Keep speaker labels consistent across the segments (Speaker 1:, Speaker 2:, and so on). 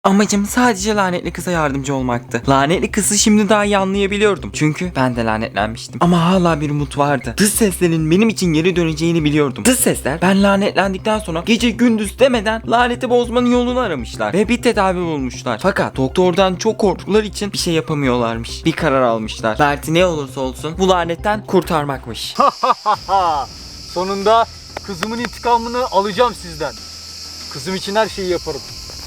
Speaker 1: Amacım sadece lanetli kıza yardımcı olmaktı. Lanetli kızı şimdi daha iyi anlayabiliyordum. Çünkü ben de lanetlenmiştim. Ama hala bir umut vardı. Dış seslerin benim için geri döneceğini biliyordum. Dış sesler ben lanetlendikten sonra gece gündüz demeden laneti bozmanın yolunu aramışlar. Ve bir tedavi bulmuşlar. Fakat doktordan çok korktukları için bir şey yapamıyorlarmış. Bir karar almışlar. Derdi ne olursa olsun bu lanetten kurtarmakmış.
Speaker 2: Sonunda kızımın intikamını alacağım sizden. Kızım için her şeyi yaparım.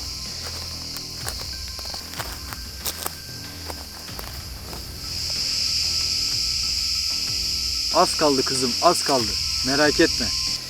Speaker 2: Az kaldı kızım, az kaldı. Merak etme.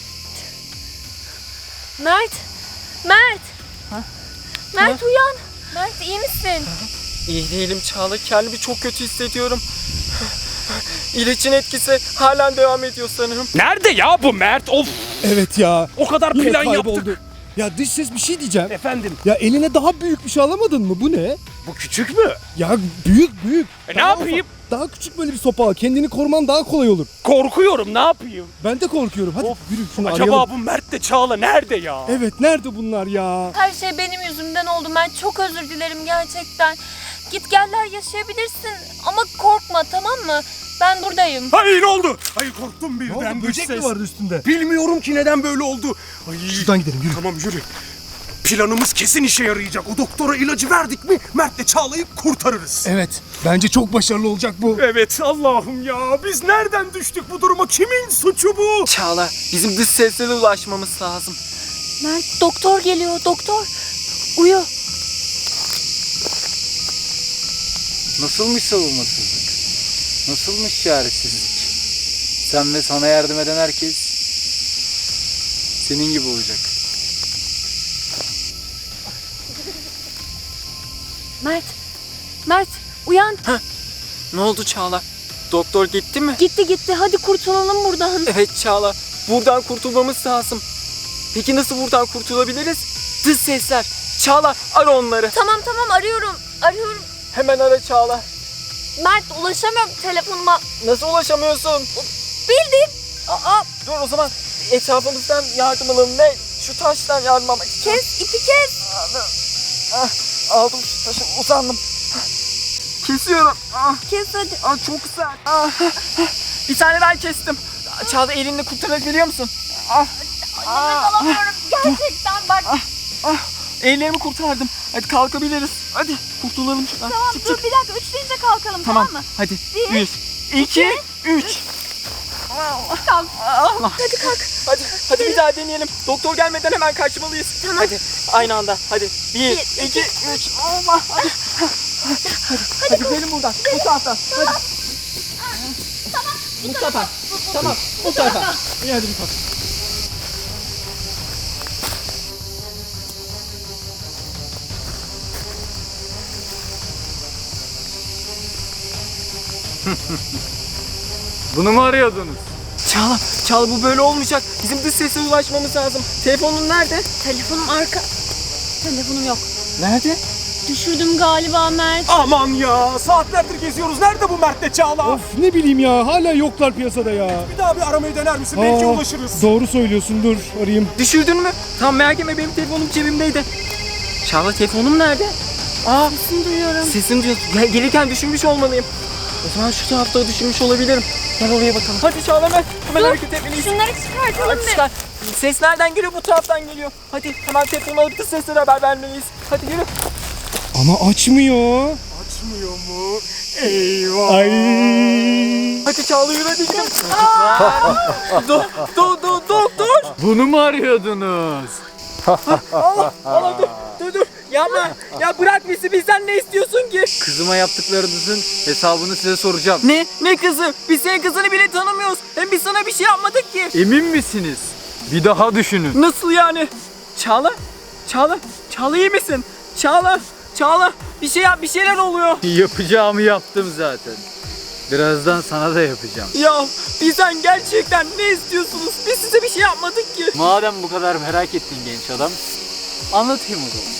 Speaker 3: Mert! Mert! Mert uyan! Mert iyi misin?
Speaker 1: İyi değilim Çağla. Kendimi çok kötü hissediyorum. İlaçın etkisi halen devam ediyor sanırım.
Speaker 4: Nerede ya bu Mert? Of!
Speaker 5: Evet ya.
Speaker 4: O kadar
Speaker 5: Yine
Speaker 4: plan
Speaker 5: kayboldu.
Speaker 4: yaptık.
Speaker 5: Ya dış ses bir şey diyeceğim.
Speaker 4: Efendim,
Speaker 5: Ya eline daha büyük bir şey alamadın mı? Bu ne?
Speaker 4: bu küçük mü?
Speaker 5: Ya büyük.
Speaker 4: Ne
Speaker 5: Daha
Speaker 4: yapayım?
Speaker 5: ufak, daha küçük böyle bir sopa al. Kendini koruman daha kolay olur.
Speaker 4: Korkuyorum, ne yapayım?
Speaker 5: Ben de korkuyorum. Hadi
Speaker 4: Of,
Speaker 5: yürü şunu
Speaker 4: Acaba
Speaker 5: arayalım.
Speaker 4: bu Mert de Çağla nerede ya?
Speaker 5: Evet nerede bunlar ya?
Speaker 3: Her şey benim yüzümden oldu Mert. Çok özür dilerim gerçekten. Git geller yaşayabilirsin ama korkma, tamam mı? Ben buradayım.
Speaker 4: Hayır ne oldu? Hayır korktum
Speaker 5: Ne
Speaker 4: birden.
Speaker 5: oldu?
Speaker 4: Dış
Speaker 5: Böcek mi
Speaker 4: ses.
Speaker 5: vardı üstünde?
Speaker 4: Bilmiyorum ki neden böyle oldu. Ay.
Speaker 5: Şuradan gidelim yürü.
Speaker 4: Tamam yürü. Planımız kesin işe yarayacak. O doktora ilacı verdik mi Mert'le Çağla'yı kurtarırız.
Speaker 5: Evet. Bence çok başarılı olacak bu.
Speaker 4: Evet Allah'ım ya. Biz nereden düştük bu duruma? Kimin suçu bu?
Speaker 1: Çağla, bizim dış seslere ulaşmamız lazım.
Speaker 3: Mert, doktor geliyor, doktor. Uyu.
Speaker 2: Nasılmış savunmasızlık? Nasılmış çaresizlik? Sen ve sana yardım eden herkes senin gibi olacak.
Speaker 3: Mert uyan.
Speaker 1: Ne oldu Çağla? Doktor gitti mi?
Speaker 3: Gitti, hadi kurtulalım buradan.
Speaker 1: Evet Çağla, buradan kurtulmamız lazım. Peki nasıl buradan kurtulabiliriz? Dış sesler. Çağla, ara onları.
Speaker 3: Tamam arıyorum.
Speaker 1: Hemen ara Çağla.
Speaker 3: Mert ulaşamıyorum telefonuma.
Speaker 1: Nasıl ulaşamıyorsun?
Speaker 3: Bildim.
Speaker 1: Dur o zaman etrafımızdan yardım alalım. Ne? Şu taştan yardım almak istiyorum.
Speaker 3: İpi kes.
Speaker 1: Aldım şu taşı, uzandım. Kesiyorum.
Speaker 3: Kes hadi.
Speaker 1: Çok sert. Bir tane daha kestim. Çağla, elini kurtarabiliyor musun?
Speaker 3: Nefes alamıyorum. Gerçekten bak.
Speaker 1: Ellerimi kurtardım. Hadi kalkabiliriz. Hadi kurtulalım şuradan.
Speaker 3: Tamam
Speaker 1: Çık,
Speaker 3: dur
Speaker 1: çık.
Speaker 3: bir dakika. 3 deyince kalkalım, tamam mı?
Speaker 1: Hadi.
Speaker 3: Bir,
Speaker 1: 1, 2, 3.
Speaker 3: Kalk. Hadi kalk.
Speaker 1: Hadi bir daha deneyelim. Doktor gelmeden hemen kaçmalıyız.
Speaker 3: Tamam.
Speaker 1: Hadi aynı anda. Hadi. 1, 2, 3. Allah. Hadi. Hadi gidelim buradan. Bu taraftan. Hadi. Mustafa. Tamam. Bu tarafa. İyi hadi Mustafa.
Speaker 2: Bunu mu arıyordunuz?
Speaker 1: Çağla bu böyle olmayacak. Bizim dış sese ulaşmamız lazım. Telefonun nerede?
Speaker 3: Telefonum Telefonum yok.
Speaker 1: Nerede?
Speaker 3: Düşürdüm galiba Mert.
Speaker 4: Aman ya. Saatlerdir geziyoruz. Nerede bu Mert'le Çağla?
Speaker 5: Of ne bileyim ya. Hala yoklar piyasada ya.
Speaker 4: Bir daha bir aramayı dener misin? Belki ulaşırız.
Speaker 5: Doğru söylüyorsun. Dur arayayım.
Speaker 1: Düşürdün mü? Tamam merak etme, benim telefonum cebimdeydi. Çağla, telefonum nerede?
Speaker 3: Sesini duyuyorum.
Speaker 1: Sesini duyuyorsun. Gelirken düşürmüş olmalıyım. O zaman şu tarafta düşürmüş olabilirim. Gel oraya bakalım. Hadi Çağla, hemen hareket etmeliyiz.
Speaker 3: Şunları çıkartalım
Speaker 1: Hadi
Speaker 3: bir.
Speaker 1: çıkar. Ses nereden geliyor? Bu taraftan geliyor. Hadi hemen telefonu alıp da seslere haber vermeliyiz. Hadi yürü.
Speaker 5: Ama açmıyor.
Speaker 4: Açmıyor mu? Eyvah.
Speaker 5: Ay.
Speaker 1: Hadi Çağla yürü, hadi gidelim. Doktor.
Speaker 2: Bunu mu arıyordunuz?
Speaker 1: Allah dur. Yapma. Ya bırak bizi, bizden ne istiyorsun ki?
Speaker 2: Kızıma yaptıklarınızın hesabını size soracağım.
Speaker 1: Ne kızı? Biz senin kızını bile tanımıyoruz. Hem biz sana bir şey yapmadık ki.
Speaker 2: Emin misiniz? Bir daha düşünün.
Speaker 1: Nasıl yani? Çağla iyi misin? Çağla bir şey yap, bir şeyler oluyor.
Speaker 2: Yapacağımı yaptım zaten. Birazdan sana da yapacağım.
Speaker 1: Ya bizden gerçekten ne istiyorsunuz? Biz size bir şey yapmadık ki.
Speaker 2: Madem bu kadar merak ettin genç adam, anlatayım o zaman.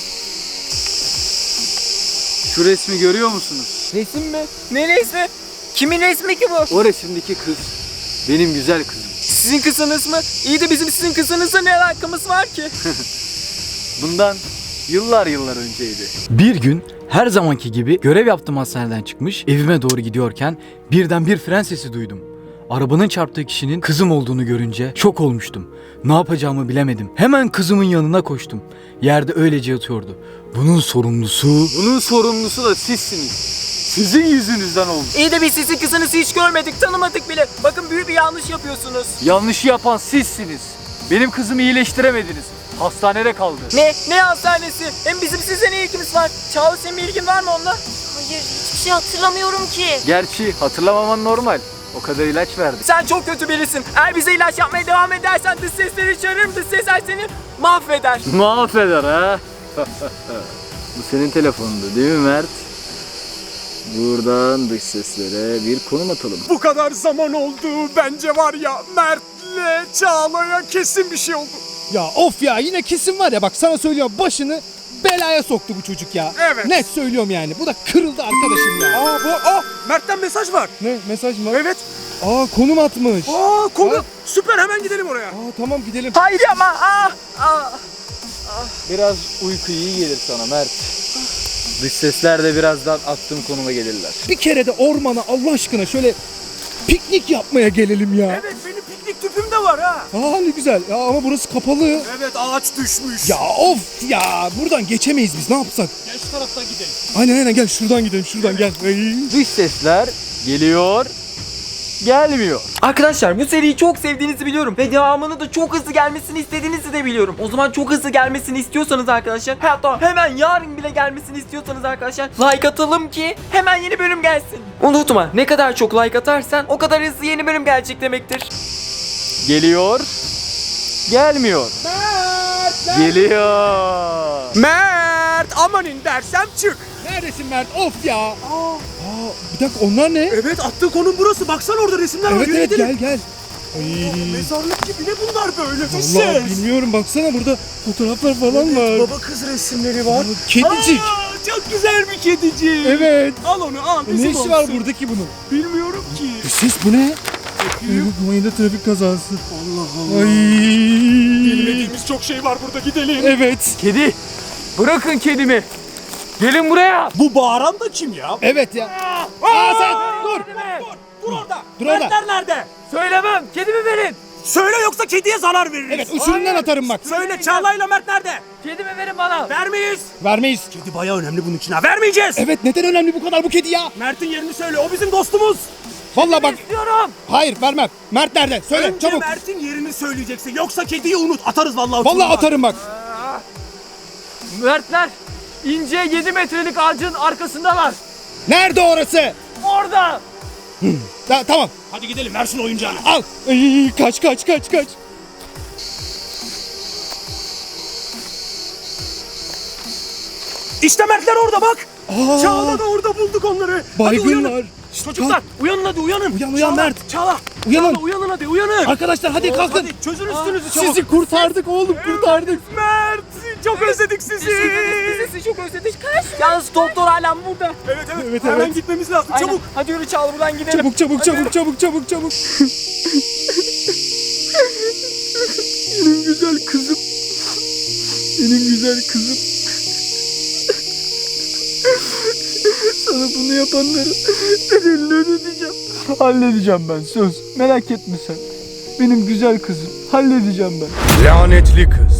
Speaker 2: Şu resmi görüyor musunuz?
Speaker 1: Resim mi? Ne resmi? Kimin resmi ki bu?
Speaker 2: O resimdeki kız benim güzel kızım.
Speaker 1: Sizin kızınız mı? İyi de bizim sizin kızınızla ne alakamız var ki?
Speaker 2: Bundan yıllar önceydi.
Speaker 6: Bir gün her zamanki gibi görev yaptığım hastaneden çıkmış evime doğru gidiyorken birden bir fren sesi duydum. Arabanın çarptığı kişinin kızım olduğunu görünce şok olmuştum. Ne yapacağımı bilemedim. Hemen kızımın yanına koştum. Yerde öylece yatıyordu. Bunun sorumlusu
Speaker 2: da sizsiniz. Sizin yüzünüzden oldu.
Speaker 1: İyi de biz sizin kızınızı hiç görmedik, tanımadık bile. Bakın büyük bir yanlış yapıyorsunuz.
Speaker 2: Yanlışı yapan sizsiniz. Benim kızımı iyileştiremediniz. Hastanede kaldı.
Speaker 1: Ne hastanesi? Hem bizim size ne ilgimiz var? Çağla senin bir ilgin var mı onunla?
Speaker 3: Hayır, hiçbir şey hatırlamıyorum ki.
Speaker 2: Gerçi hatırlamaman normal. O kadar ilaç verdik.
Speaker 1: Sen çok kötü birisin. Eğer bize ilaç yapmaya devam edersen dış sesleri çağırırım. Dış sesler seni mahveder.
Speaker 2: Mahveder ha. Bu senin telefonundu değil mi Mert? Buradan dış seslere bir konum atalım.
Speaker 4: Bu kadar zaman oldu. Bence var ya Mert'le Çağla'ya kesin bir şey oldu.
Speaker 5: Ya of ya, yine kesin var ya, bak sana söylüyorum, başını belaya soktu bu çocuk ya.
Speaker 4: Evet.
Speaker 5: Net söylüyorum yani. Bu da kırıldı arkadaşım ya.
Speaker 4: Mert'ten mesaj var.
Speaker 5: Ne mesaj mı?
Speaker 4: Evet.
Speaker 5: Konum atmış.
Speaker 4: Konu.
Speaker 5: Ha?
Speaker 4: Süper, hemen gidelim oraya.
Speaker 5: Tamam gidelim.
Speaker 1: Hayır ama.
Speaker 2: Biraz uyku iyi gelir sana Mert. Dış sesler de birazdan attığım konuma gelirler.
Speaker 5: Bir kere de ormana Allah aşkına şöyle piknik yapmaya gelelim ya.
Speaker 4: Evet, benim piknik tüpüm de var ha.
Speaker 5: Ne güzel. Ya ama burası kapalı.
Speaker 4: Evet, ağaç düşmüş.
Speaker 5: Ya of ya, buradan geçemeyiz biz, ne yapsak?
Speaker 4: Gel şu taraftan gidelim.
Speaker 5: Aynen gel şuradan gidelim, şuradan gel. Ay.
Speaker 2: Dış sesler geliyor, gelmiyor.
Speaker 1: Arkadaşlar bu seriyi çok sevdiğinizi biliyorum ve devamını da çok hızlı gelmesini istediğinizi de biliyorum. O zaman çok hızlı gelmesini istiyorsanız arkadaşlar, hatta hemen yarın bile gelmesini istiyorsanız arkadaşlar, like atalım ki hemen yeni bölüm gelsin. Unutma, ne kadar çok like atarsan o kadar hızlı yeni bölüm gelecek demektir.
Speaker 2: Geliyor, gelmiyor. Geliyor.
Speaker 4: Mert, amanin dersem çık.
Speaker 5: Neredesin Mert? Of ya. Bir dakika, onlar ne?
Speaker 4: Evet, attığı konum burası. Baksana orada resimler var.
Speaker 5: Evet
Speaker 4: Yürü gidelim.
Speaker 5: gel. Ay.
Speaker 4: Mezarlık gibi ne bunlar böyle?
Speaker 5: Vallahi bilmiyorum, baksana burada fotoğraflar falan var.
Speaker 4: Baba kız resimleri var.
Speaker 5: Kedicik.
Speaker 4: Çok güzel bir kedicik.
Speaker 5: Evet.
Speaker 4: Al onu al.
Speaker 5: Ne işi var buradaki bunun?
Speaker 4: Bilmiyorum ki.
Speaker 5: Ses bu ne? Mayında trafik kazası.
Speaker 4: Allah Allah.
Speaker 5: Ay.
Speaker 4: Bilmediğimiz çok şey var burada, gidelim.
Speaker 5: Evet.
Speaker 2: Kedi, bırakın kedimi. Gelin buraya.
Speaker 4: Bu bağıran da kim ya?
Speaker 5: Evet ya. Sen dur.
Speaker 4: Dur orada.
Speaker 5: Dur orada.
Speaker 4: Mertler nerede?
Speaker 2: Söylemem, kedimi verin.
Speaker 4: Söyle yoksa kediye zarar veririz.
Speaker 5: Evet, uçurumdan atarım bak.
Speaker 4: Söyle, Çağla'yla Mert nerede?
Speaker 2: Kedimi verin bana.
Speaker 4: Vermeyiz.
Speaker 5: Vermeyiz.
Speaker 4: Kedi bayağı önemli bunun için ha. Vermeyeceğiz.
Speaker 5: Evet, neden önemli bu kadar bu kedi ya?
Speaker 4: Mert'in yerini söyle. O bizim dostumuz.
Speaker 5: Vallahi bak.
Speaker 2: İstiyorum.
Speaker 5: Hayır, vermem. Mert nerede? Söyle
Speaker 4: Önce
Speaker 5: çabuk.
Speaker 4: Mert'in yerini söyleyeceksin. Yoksa kediyi unut. Atarız vallahi.
Speaker 5: Vallahi
Speaker 4: uçurumdan.
Speaker 5: atarım bak.
Speaker 2: Mertler, ince 7 metrelik ağacın arkasındalar.
Speaker 5: Nerede orası?
Speaker 2: Orada.
Speaker 5: Tamam.
Speaker 4: Hadi gidelim, ver şunu oyuncağını.
Speaker 5: Al. Ay, kaç.
Speaker 4: İşte Mertler orada bak.
Speaker 5: Aa.
Speaker 4: Çağla da orada, bulduk onları. Hadi uyanın.
Speaker 5: Baygınlar.
Speaker 4: Çocuklar uyanın hadi, uyanın.
Speaker 5: Uyan
Speaker 4: Çağla,
Speaker 5: Mert.
Speaker 4: Çağla.
Speaker 5: Uyanın.
Speaker 4: Çağla, uyanın hadi, uyanın.
Speaker 5: Arkadaşlar hadi kalkın.
Speaker 4: Hadi çözün üstünüzü çabuk.
Speaker 5: Sizi kurtardık oğlum, kurtardık.
Speaker 4: Mert, çok özledik sizi.
Speaker 1: Biz sizi çok özledik. Yalnız doktor hala burada.
Speaker 4: Evet, hemen gitmemiz lazım.
Speaker 1: Aynen.
Speaker 4: Çabuk.
Speaker 1: Hadi yürü Çağla, buradan gidelim.
Speaker 5: Çabuk.
Speaker 2: Benim güzel kızım. Benim güzel kızım. Sana bunu yapanları bedelini ödeteceğim. Halledeceğim ben, söz. Merak etme sen. Benim güzel kızım. Halledeceğim ben.
Speaker 4: Lanetli kız.